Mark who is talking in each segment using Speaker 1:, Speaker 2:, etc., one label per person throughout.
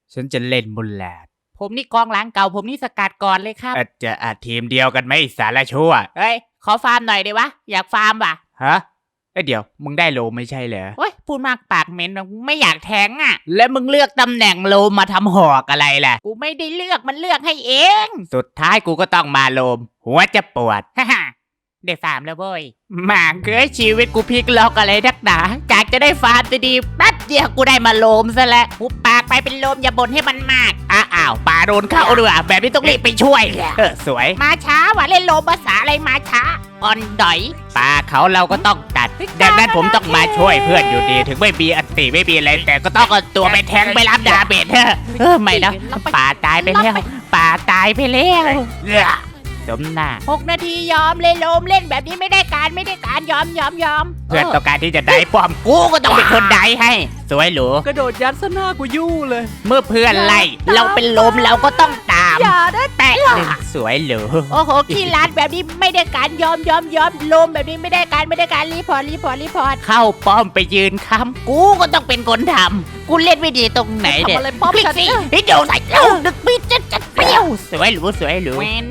Speaker 1: ฉันจะเล่นบุลแลด
Speaker 2: ผมนี่กองหลังเก่าผมนี่สกัดก่อนเลยครับ
Speaker 1: จะทีมเดียวกันไหมสารชั่ว
Speaker 2: เฮ้ยขอฟาร์มหน่อยได้วะอยากฟาร์มว่ะ
Speaker 1: ฮะเดี๋ยวมึงได้โลไม่ใช่เหรอ
Speaker 2: เฮ้ยพูดมากปากเหม็นไม่อยากแทงอ่ะแล้วมึงเลือกตำแหน่งโลมาทำหอกอะไรล่ะกูไม่ได้เลือกมันเลือกให้เอง
Speaker 1: สุดท้ายกูก็ต้องมาโลม หัวจะปวด
Speaker 2: ฮ่าฮ่าได้ฟาร์มแล้วเว้ยหมากเอ้ยชีวิตกูพลิกล็อกอะไรนักหนาจากจะได้ฟาร์มดีๆแป๊บเดียวกูได้มาโลมซะแล้วหุบปากไปเป็นโลมอย่าบ่นให้มันมากอ้าวป่าโดนเข้าด้วยแบบนี้ต้องรีบไปช่วย
Speaker 1: สวย
Speaker 2: มาช้าว่ะเล่นโลมภาษาอะไรมาช้าอ่อนดอย
Speaker 1: ป่าเขาเราก็ต้องตัด ดังนั้นผมต้องมาช่วยเพื่อนอยู่ดี ถึงไม่มีอันติไม่มีอะไรแต่ก็ต้องเอาตัวไปแทงไปรับดาเมจไม่นะป่าตายไปแล้วป่าตายไปแล้วสมหน้า
Speaker 2: 6 นาทียอมเลยโลมเล่นแบบนี้ไม่ได้การยอม
Speaker 1: เพื่อนต้องการที่จะได้ป้อมกูก็ต้องเป็นคนได้ให้ สวยหรู
Speaker 3: กระโดดยัดซะหน้ากูยู่เลย
Speaker 1: เมื่อเพื่อนไล่เราเป็นลมเราก็ต้องตาม
Speaker 2: อย่าได้
Speaker 1: แตะหนึ่งสวยหรู
Speaker 2: โอ้โหขี้ร้านแบบนี้ไม่ได้การยอมโลมแบบนี้ไม่ได้การรีพอร์ต
Speaker 1: เข้าป้อมไปยืนค้ำกูก็ต้องเป็นคนทำกูเล่นไม่ดีตรงไหนเนี่ย
Speaker 3: ทำอะไรป้อม
Speaker 1: คลิก
Speaker 3: ฉัน
Speaker 1: สิให้โดนใส่เอ้าดึกปีจะเปรี้ยวสวยหรูสวยหรู
Speaker 2: แมน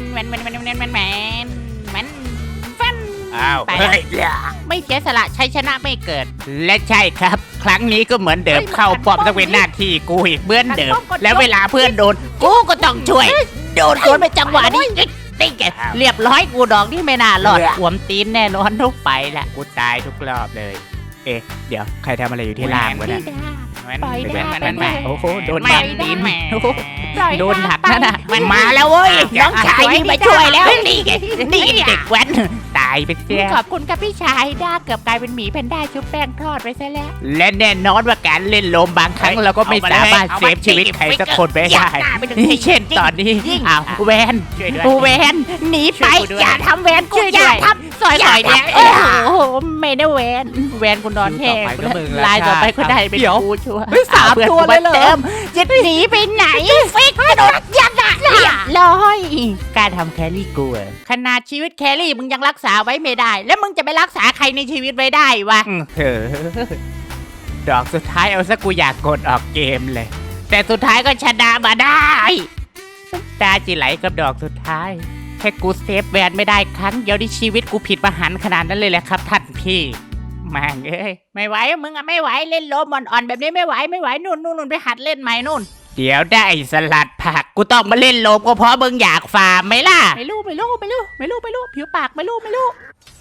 Speaker 2: ฟัน
Speaker 1: อ้าว
Speaker 2: ไป
Speaker 1: เฮ้ย
Speaker 2: ไม่เสียสละชัยชนะไม่เกิด
Speaker 1: และใช่ครับ ครั้งนี้ก็เหมือนเดิม
Speaker 2: เฮ้ย
Speaker 1: เข้าป้อม
Speaker 2: มัน
Speaker 1: ต้องเป็นหน้าที่กูอีกเหมือนเดิม
Speaker 2: มันป้อมกด
Speaker 1: แล้วเวลาเพื่อนโดนกูก็ต้องช่วย
Speaker 2: โดนสวนไปจังหวะนี้นี่แกเรียบร้อยกูดอกนี่ไม่น่ารอดหวมตีนแน่นอนทุกไปแหละ
Speaker 1: กูตายทุกรอบเลย เดี๋ยวใครทำอะไรอยู่ที่ล่างวะเนี่ย
Speaker 2: ปล่อยได้
Speaker 1: โอ้โหโดน
Speaker 2: ปล่อย
Speaker 1: ตีน
Speaker 2: ได้
Speaker 1: โอ้โห
Speaker 2: ปล่อย
Speaker 1: โดนหนักนะน่ะ
Speaker 2: มันมาแล้วเว้ยน้องชายนี่มาช่วยแล้ว
Speaker 1: นี่ไงนี่ไงเด็กแว้นตายไปเสีย
Speaker 2: ขอบคุณครับพี่ชายด้าเกือบกลายเป็นหมีแพนด้าชุบแป้งทอดไปซะแล้ว
Speaker 1: และแน่นอนว่าการเล่นโลมบางครั้งเราก็ไม่สามารถเซฟชีวิตใครสักคนไปได้เช่นตอนนี้อ้าวแวน
Speaker 2: แวนหนีไป
Speaker 1: ช่วยกูด้วย
Speaker 2: อย่าทำแวนกู
Speaker 1: ช่วย
Speaker 2: อย่า
Speaker 1: ด้วย
Speaker 2: ทำซอยเนี่ย
Speaker 1: เอ้ย
Speaker 2: โอ้โหไม่ได้แวนคุณนอนแห้ง
Speaker 3: ต่อไปก็มึงแล้ว
Speaker 2: ลายต่อไปคุณได้เป็น
Speaker 3: เดี๋ยว
Speaker 2: กูชัวร์
Speaker 3: เฮ้ยสาม
Speaker 2: อพื่อน
Speaker 3: ตัวเลยเหรอ
Speaker 2: กูมาติมจะหนีไปไหนฟิกกระโดดยัดอะเรียบร้อยการทำแครี่กูอะขนาดชีวิตแครี่มึงยังรักษาไว้ไม่ได้ แล้วมึงจะไปรักษาใครในชีวิตไว้ได้วะ
Speaker 1: เออดอกสุดท้ายเอาซะกูอยากกดออกเกมเลย
Speaker 2: แต่สุดท้ายก็ชนะมาได้
Speaker 1: ตาจิไหลกับดอกสุดท้ายแค่กูเซฟแวนไม่ได้ครั้งเดียวที่ชีวิตกูผิดประหันขนาดนั้นเลยแหละครับท่านพี่แม่งเอ้ย
Speaker 2: ไม่ไหวมึงอะไม่ไหวเล่นโลมอ่อนๆแบบนี้ไม่ไหวนู่นไปหัดเล่นใหม่นู่น
Speaker 1: เดี๋ยวได้สลัดผักกูต้องมาเล่นโลมก็เพราะมึงอยากฟาร์มไหมล่ะ
Speaker 2: ไม่รู้ผิวปากไม่รู้